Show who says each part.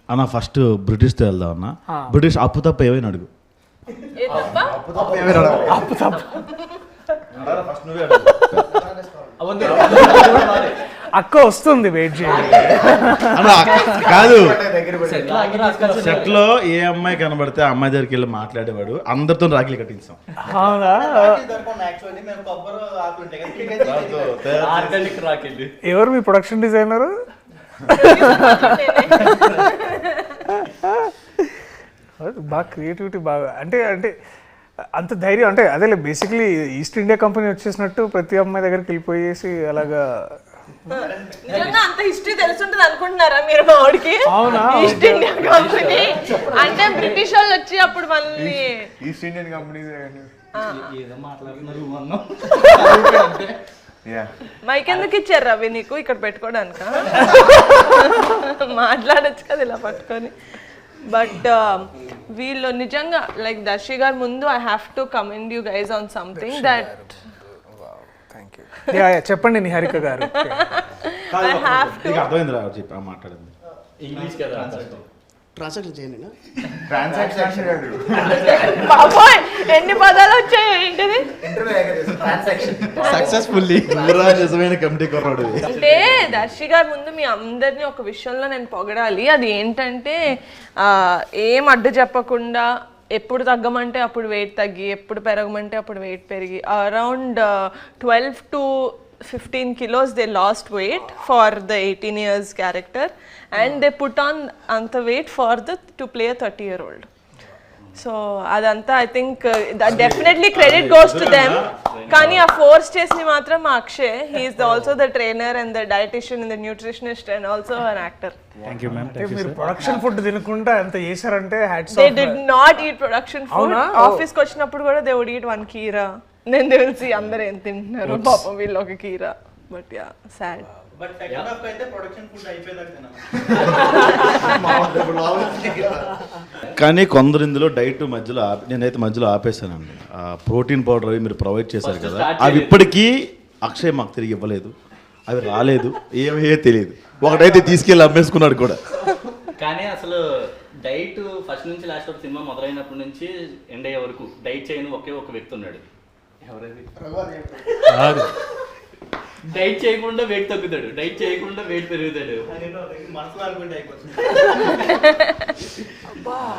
Speaker 1: అన్న ఫస్ట్ బ్రిటిష్తో వెళ్దాం అన్న. బ్రిటిష్ అప్పు తప్ప ఏమైనా అడుగు.
Speaker 2: అక్క వస్తుంది, వెయిట్ చేయండి.
Speaker 1: కాదు, సెట్ లో ఏ అమ్మాయి కనబడితే ఆ అమ్మాయి దగ్గరికి వెళ్ళి మాట్లాడేవాడు, అందరితో రాఖీలు కట్టించాం.
Speaker 2: అవునా? ఎవరు మీ ప్రొడక్షన్ డిజైనర్? బాగా క్రియేటివిటీ బాగా, అంటే అంత ధైర్యం, అంటే అదే బేసిక్లీ ఈస్ట్ ఇండియా కంపెనీ వచ్చేసినట్టు ప్రతి అమ్మాయి దగ్గరికి వెళ్ళిపోయేసి అలాగా.
Speaker 3: నిజంగా అంత హిస్టరీ తెలుసుంటది అనుకుంటున్నారా మీరు మా వాడికి?
Speaker 2: అవునా?
Speaker 3: ఈస్ట్ ఇండియా కంపెనీ అంటే బ్రిటిష్ వాళ్ళు వచ్చి అప్పుడు మళ్ళీ
Speaker 4: ఈస్ట్ ఇండియన్ కంపెనీ
Speaker 5: ఏదో మాట్లాడుతున్నారు అన్నాం.
Speaker 3: మైక్ ఎందుకు ఇచ్చారు రవి నీకు ఇక్కడ పెట్టుకోవడానిక? మాట్లాడచ్చు కదా ఇలా పట్టుకొని. బట్ వీళ్ళు నిజంగా లైక్ దర్శి గారు ముందు I have to commend you guys on something that.
Speaker 2: చెప్పండి నిహారిక గారు.
Speaker 1: అర్థమైంది రా చెప్పి మాట్లాడింది.
Speaker 5: ఇంగ్లీష్ కదా
Speaker 6: ట్రాన్సాక్షన్ చేయండి.
Speaker 3: బాబోయ్ ఎన్ని పదాలు వచ్చాయి ఏంటిది?
Speaker 1: సక్సెస్ఫుల్లీ నిజమైన కమిటీ కొన్నాడు.
Speaker 3: అంటే దర్శి గారి ముందు మీ అందరినీ ఒక విషయంలో నేను పొగడాలి. అది ఏంటంటే ఏం అడ్డు చెప్పకుండా ఎప్పుడు తగ్గమంటే అప్పుడు వెయిట్ తగ్గి, ఎప్పుడు పెరగమంటే అప్పుడు వెయిట్ పెరిగి around 12 to 15 kilos they lost weight for the 18 years character and they put on anta weight for to play a 30-year-old. So adanta I think that definitely credit goes to them. Kani a force chesni matram Akshay, he is also the trainer and the dietitian and the nutritionist and also an actor.
Speaker 2: Thank you ma'am. మీరు production food తినకుండా ఎంత చేశారంటే hats off.
Speaker 3: They did not eat production food. Office కి వచ్చినప్పుడు కూడా they would eat one keera. నేను తెలిసి అందరూ ఏం తింటున్నారు పాపం వీళ్ళు ఒక కీరా. But ya sad.
Speaker 5: But second half అయితే ప్రొడక్షన్ ఫుడ్ అయిపోయేదాకా
Speaker 1: కానీ కొందరు ఇందులో డైట్ మధ్యలో నేనైతే మధ్యలో ఆపేశానండి. ప్రోటీన్ పౌడర్ అవి మీరు ప్రొవైడ్ చేశారు కదా, అవి ఇప్పటికీ అక్షయ్ మాకు తిరిగి ఇవ్వలేదు, అవి రాలేదు, ఏమయ్యో తెలియదు. ఒకటైతే తీసుకెళ్ళి అమ్మేసుకున్నాడు కూడా.
Speaker 5: కానీ అసలు డైట్ ఫస్ట్ నుంచి లాస్ట్ వరకు సినిమా మొదలైనప్పటి నుంచి ఎండ్ అయ్యే వరకు డైట్ చేయని ఒకే ఒక వ్యక్తి ఉన్నాడు. ఎవరైతే డైట్ చేయకుండా వెయిట్ తగ్గుతాడు, డైట్ చేయకుండా వెయిట్ పెరుగుతాడు. మనసులో అనుకుంటే అయిపోతుంది.